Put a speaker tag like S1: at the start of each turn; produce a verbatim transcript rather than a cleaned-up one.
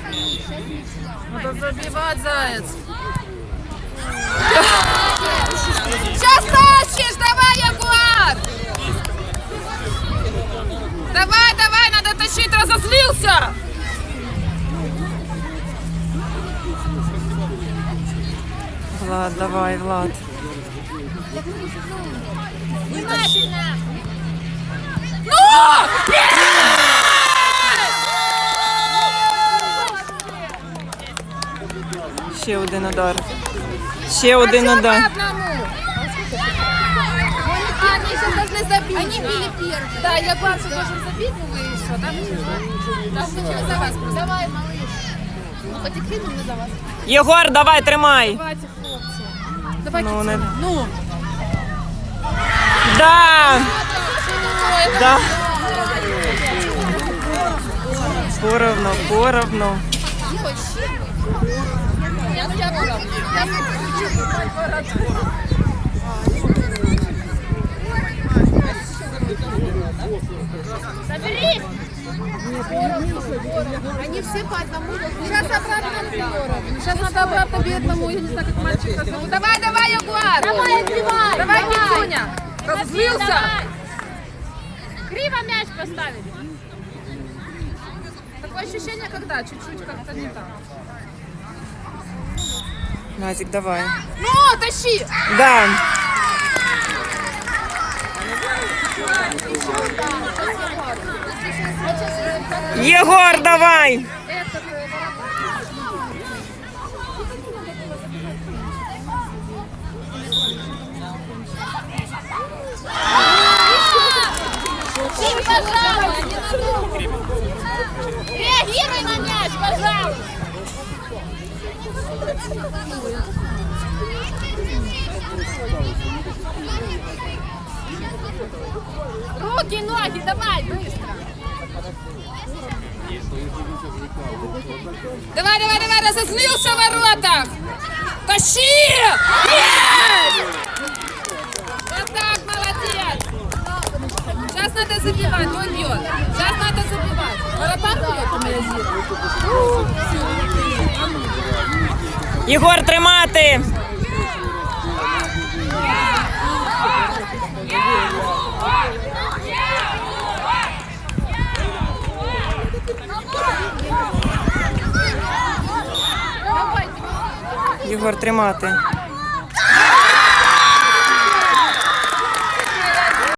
S1: Надо забивать, заяц. Сейчас тащишь, давай, Ягуар! Давай, давай, надо тащить, разозлился! Влад, давай, Влад.
S2: Внимательно!
S1: Ну! Ще один удар. Ще один удар.
S2: Они сейчас должны забить. Они били первые.
S1: Да, я бачу, должен забить, ну вы и все, да?
S2: Так, мы за вас просто. Давай, малыш. Ну, хоть и кинем, мы за вас.
S1: Єгор, давай, тримай.
S2: Давайте, хлопці. Давай,
S1: Ну,
S2: Китя.
S1: не...
S2: Ну.
S1: Да! Да. Поровну, поровну.
S2: Я тебя поровну. Соберись! Они все по одному. Сейчас обратно поровну. Сейчас надо обратно бедному. Я не знаю, как мальчика зовут.
S1: Давай, давай, Ягуар!
S2: Давай, отбивай!
S1: Давай, Китюня! Разозлился!
S2: Криво мяч поставили.
S1: Такое ощущение, когда чуть-чуть как-то не так. Назик, давай.
S2: Ну, тащи!
S1: Да. Егор, давай!
S2: Тим, пожалуйста! Реагируй на мяч, пожалуйста! Руки, ноги, давай, быстро!
S1: Давай, давай, давай, разозлился в воротах! Тащи! Есть! Вот так, молодец! Сейчас надо забивать, он бьет. Сейчас надо забивать. Воротах бьет, Єгор, тримати! Єгор, тримати.